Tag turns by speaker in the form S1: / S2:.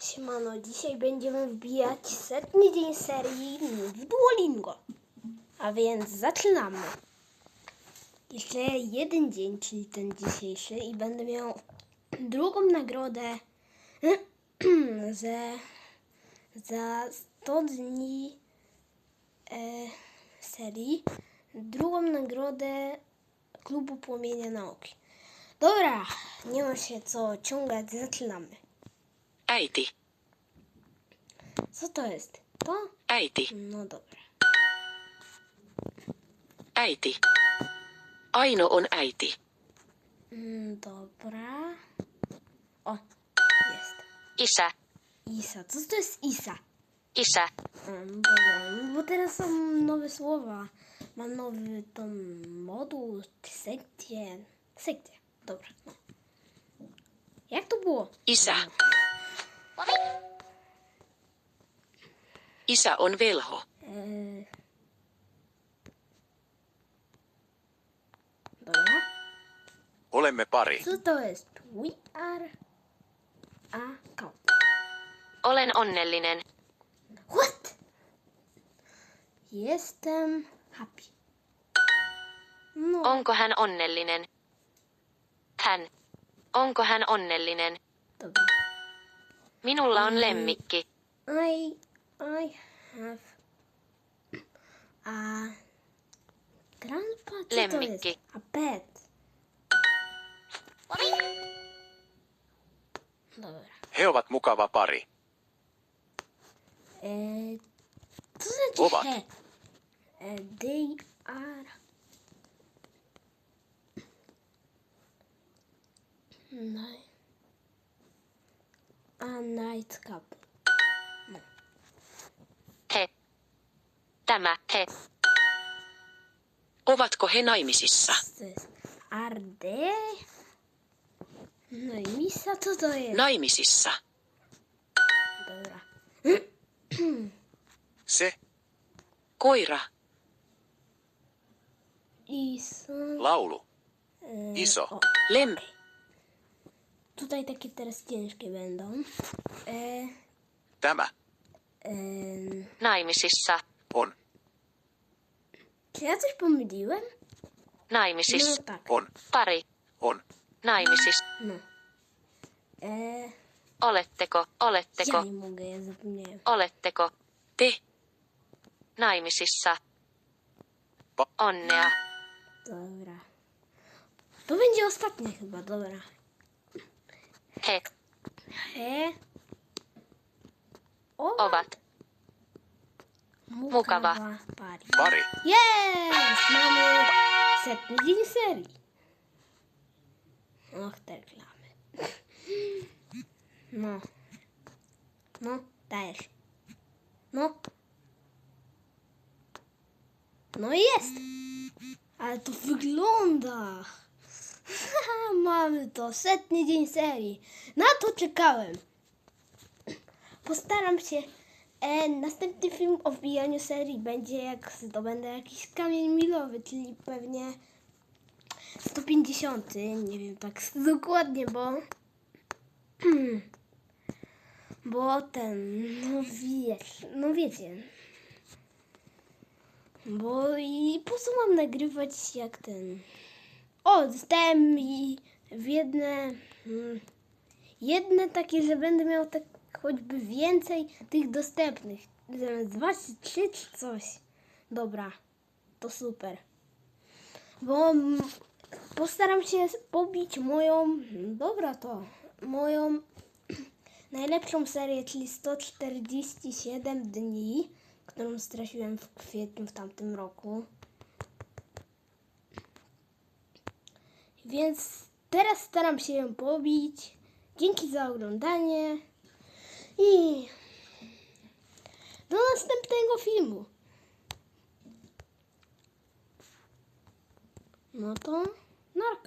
S1: Siemano, dzisiaj będziemy wbijać 100. dzień serii w Duolingo. A więc zaczynamy. Jeszcze jeden dzień, czyli ten dzisiejszy, i będę miał drugą nagrodę za 100 dni serii. Drugą nagrodę Klubu Płomienia Nauki. Dobra, nie ma się co ciągać, zaczynamy.
S2: Äiti.
S1: Co to jest? To?
S2: Äiti.
S1: No dobra.
S2: Äiti. Aino on äiti.
S1: Dobra. O, jest.
S2: Isä.
S1: Isa. Co to jest Isa?
S2: Isä.
S1: Dobra, bo teraz są nowe słowa. Mam nowy moduł, sekcję. Sekcję. Dobra. No. Jak to było?
S2: Isä. Isä on velho.
S1: Dobra.
S3: Olemme pari.
S1: Co to jest? We are a couple.
S2: Olen onnellinen.
S1: What? Jestem happy. No.
S2: Onko hän onnellinen? Hän. Onko hän onnellinen?
S1: Dobra.
S2: Minulla on lemmikki.
S1: I have a grandpa. Co to
S2: Lemmikki.
S1: jest? A pet. Dobra.
S3: He ovat mukava pari.
S1: Co znaczy
S3: Ovat.
S1: he? They are a night couple.
S2: He. Tämä he. Ovatko he naimisissa?
S1: Co to jest? Are they? No i misa, co to jest?
S2: Naimisissa.
S1: Dobra.
S3: Se,
S2: Koira.
S1: Isa.
S3: laulu, iso,
S1: O,
S2: Lem.
S1: tutaj takie teraz ciężkie będą.
S3: tämä,
S2: Naimisissa.
S3: on,
S1: Czy ja coś pomyliłem?
S2: Naimisissa.
S1: No tak.
S3: on,
S2: Pari.
S3: on,
S2: Naimisissa.
S1: No.
S2: Oletteko? Oletteko?
S1: Ja nie mogę, ja zapomniałem.
S2: Oletteko? Te. Naimisissa. Onnea.
S1: Dobra. To będzie ostatnie chyba, dobra.
S2: He.
S1: He.
S2: Ovat. Mukava.
S1: Pari.
S3: pari,
S1: Jest! Mamy 100. dzień serii. Och, te reklamy. No. No, dajesz. No. No i jest. Ale to wygląda. Mamy to. 100. dzień serii. Na to czekałem. Postaram się. Następny film o wbijaniu serii będzie, jak zdobędę jakiś kamień milowy, czyli pewnie 150. Nie wiem tak dokładnie, bo no wiecie. Bo i po co mam nagrywać jak ten... O, dostałem i w jedne takie, że będę miał tak choćby więcej tych dostępnych. Zamiast 2 czy 3 czy coś. Dobra, to super. Bo postaram się pobić moją najlepszą serię, czyli 147 dni, którą straciłem w kwietniu w tamtym roku. Więc teraz staram się ją pobić. Dzięki za oglądanie i do następnego filmu. No to narka.